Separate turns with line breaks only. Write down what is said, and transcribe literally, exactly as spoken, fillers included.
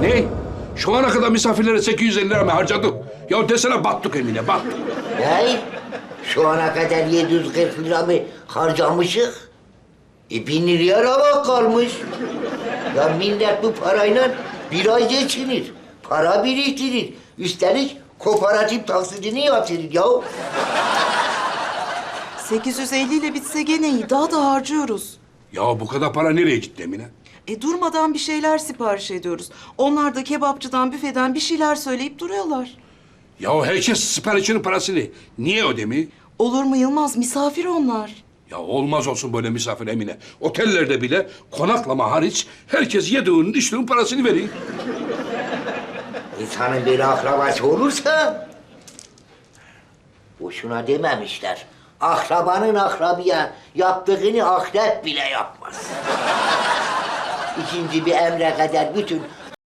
Ne? Şu ana kadar misafirlere sekiz yüz elli lira mı harcadık? Ya desene battık Emine, battık.
Ne? Şu ana kadar yedi yüz kırk lira mı harcamışık? E bin liraya ramak kalmış. Ya millet bu parayla bir ay geçinir. Para biriktirir. Üstelik kooperatif taksidini yatırır ya.
sekiz yüz elli ile bitse gene iyi. Daha da harcıyoruz.
Ya bu kadar para nereye gitti Emine?
E durmadan bir şeyler sipariş ediyoruz. Onlar da kebapçıdan, büfeden bir şeyler söyleyip duruyorlar.
Ya herkes siparişinin parasını niye ödemiyor?
Olur mu Yılmaz? Misafir onlar.
Ya olmaz olsun böyle misafir Emine. Otellerde bile konaklama hariç herkes yediğinin içtiğinin parasını veriyor.
İnsanın bir akrabası olursa... Boşuna dememişler. Akrabanın akrabaya yaptığını akrep bile yapmaz. İkinci bir emre kadar bütün